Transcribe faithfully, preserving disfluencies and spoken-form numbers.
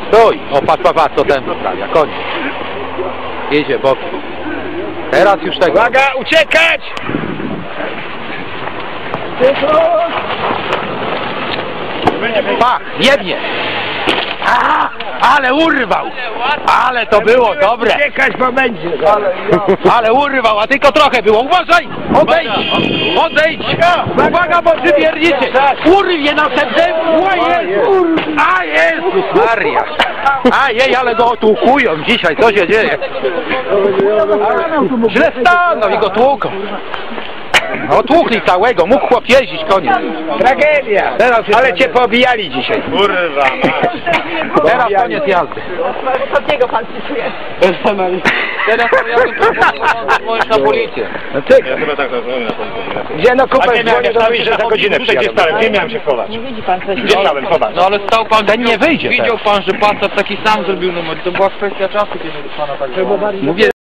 Stój! O, patrz, patrz, patrz, co ten wyprawia. Koniec. Jedzie bokiem. Teraz już tego. Uwaga, uciekać! Pach, jebnie! A, ale urwał! Ale to było dobre! Uciekać, bo będzie. Ale urwał, a tylko trochę było. Uważaj! Odejdź! Odejdź! Uwaga, bo przywiernicie! Urwie następnym! A Jezus Maria! A jej, ale go otłukują dzisiaj, co się dzieje? Źle stanął i go tłuką. Otłukli całego, mógł chłop jeździć, koniec. Tragedia! Teraz Ale cię pobijali dzisiaj. Kurwa! Teraz koniec jazdy. Ostatniego pan pisuje. Teraz to ja bym dzwonić na policję. No ty, Ja chyba tak rozumiem na policję. gdzie no kupę A nie miałem dzwonię do jak mnie, że stałem za się godzinę gdzie przyjadą. stałem, gdzie miałem się chować? Nie widzi pan, co się Gdzie dzieje. stałem, chować? No ale stał pan, ten nie wyjdzie. Widział pan, że Passat taki sam zrobił numer. To była kwestia czasu, kiedy pana tak... Mówię,